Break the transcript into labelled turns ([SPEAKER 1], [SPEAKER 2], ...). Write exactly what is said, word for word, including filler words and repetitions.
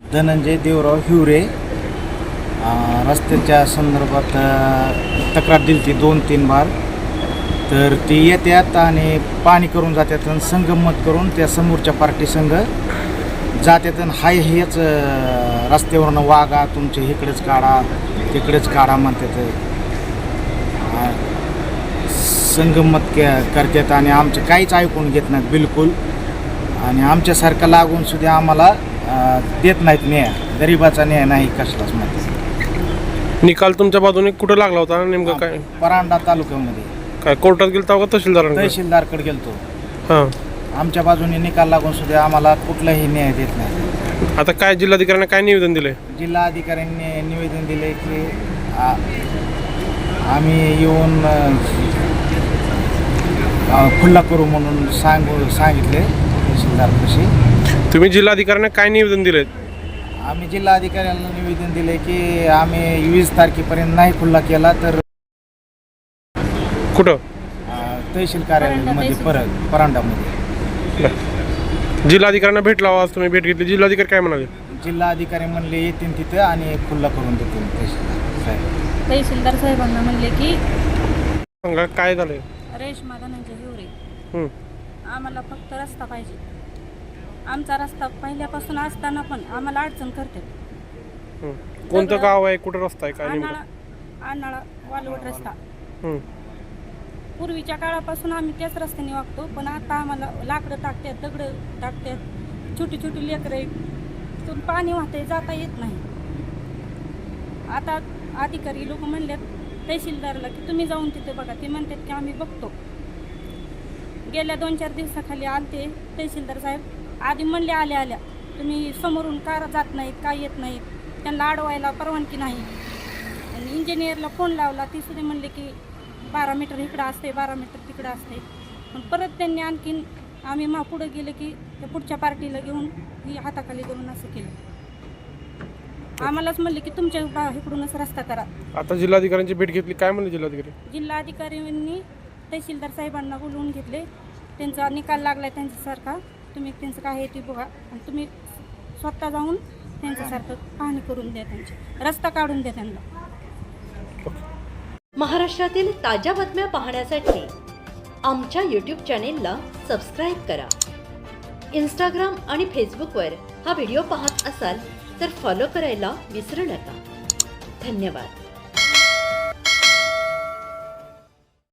[SPEAKER 1] धनंजय देवराव हिवरे. रस्त्याच्या संदर्भात तक्रार दिली ती दोन तीन बार. तर ती येतात आणि पाणी करून जातात आणि संगमत करून त्या समोरच्या पार्टी संघ जातात आणि हाय हेच रस्त्यावरनं वागा, तुमचे इकडेच काढा तिकडेच काढा म्हणतात. संगमत करतात आणि आमचं काहीच ऐकून घेत नाहीत बिलकुल. आणि आमच्यासारखं लागून सुद्धा आम्हाला देत नाहीत न्याय. गरिबाचा न्याय नाही कसलाच मध्ये.
[SPEAKER 2] निकाल तुमच्या बाजूने कुठं लागला होता नेमकं काय?
[SPEAKER 1] परांडा तालुक्यामध्ये.
[SPEAKER 2] काय कोर्टात गेलता का तहसीलदार?
[SPEAKER 1] तहसीलदारकडे गेलतो.
[SPEAKER 2] हां,
[SPEAKER 1] आमच्या बाजूने निकाल लागून सुद्धा आम्हाला कुठलाही न्याय देत नाही.
[SPEAKER 2] आता काय जिल्हाधिकाऱ्यांना काय निवेदन दिले?
[SPEAKER 1] जिल्हाधिकाऱ्यांनी निवेदन दिले की आम्ही येऊन खुल्ला करू म्हणून सांगू सांगितले तहसीलदारपाशी.
[SPEAKER 2] तुम्ही जिल्हाधिकाऱ्यांना काय निवेदन दिले?
[SPEAKER 1] आम्ही जिल्हाधिकाऱ्यांना निवेदन दिले की आम्ही वीस तारखेपर्यंत नाही खुल्ला केला तर
[SPEAKER 2] कुठं?
[SPEAKER 1] तहसील कार्यालयामध्ये परत परांडामध्ये.
[SPEAKER 2] जिल्हाधिकाऱ्यांना भेटला आज तुम्ही भेट घेतली, जिल्हाधिकारी काय म्हणाले?
[SPEAKER 1] जिल्हाधिकारी म्हणले येतील तिथं आणि खुल्ला करून देतील तहसीलदार साहेब.
[SPEAKER 3] तहसीलदार साहेबांना म्हणले की
[SPEAKER 2] सांगा काय झालंय?
[SPEAKER 3] रेशमा धनंजय हिवरे,
[SPEAKER 2] हं.
[SPEAKER 3] आम्हाला फक्त रस्ता पाहिजे. आमचा रस्ता पहिल्यापासून असताना पण आम्हाला अडचण करते.
[SPEAKER 2] हं. कोणतं गाव आहे, कुठं रस्ता आहे, काय
[SPEAKER 3] आनाळा
[SPEAKER 2] नेमकं?
[SPEAKER 3] आनाळा वालवड रस्ता.
[SPEAKER 2] हं.
[SPEAKER 3] पूर्वीच्या काळापासून आम्ही त्याच रस्त्याने वागतो, पण आता आम्हाला लाकडं टाकतात, दगडं टाकतात, छोटी छोटी लेकरं आहेत, तिथून पाणी वाहते, जाता येत नाही. आता अधिकारी लोक म्हणलेत तहसीलदारला की तुम्ही जाऊन तिथे बघा. ते म्हणतात की आम्ही बघतो. गेल्या दोन चार दिवसाखाली आलते तहसीलदार साहेब. आधी म्हणले आल्या आल्या तुम्ही समोरून का जात नाहीत, का येत नाहीत, त्यांना अडवायला परवानगी नाही. आणि इंजिनियरला फोन लावला, ती सुद्धा म्हणले की बारा मीटर इकडं असते, बारा मीटर तिकडं असते. पण परत त्यांनी आणखीन आम्ही मा पुढं गेलं की त्या पुढच्या पार्टीला घेऊन ही हाताखाली करून असं केलं. आम्हालाच म्हणले की तुमच्या इकडूनच रस्ता करा.
[SPEAKER 2] आता जिल्हाधिकाऱ्यांची भेट घेतली, काय म्हणले जिल्हाधिकारी?
[SPEAKER 3] जिल्हाधिकाऱ्यांनी तहसीलदार साहेबांना बोलवून घेतले. त्यांचा निकाल लागला त्यांच्यासारखा, तुम्ही त्यांचं काय आहे ते बघा आणि तुम्ही स्वतः जाऊन त्यांच्यासारखं पाहणी करून द्या, त्यांची रस्ता काढून द्या त्यांना.
[SPEAKER 4] महाराष्ट्रातील ताज्या बातम्या पाहण्यासाठी आमच्या यूट्यूब चॅनेलला सबस्क्राईब करा. इंस्टाग्राम आणि फेसबुकवर हा व्हिडिओ पाहत असाल तर फॉलो करायला विसरू नका. धन्यवाद.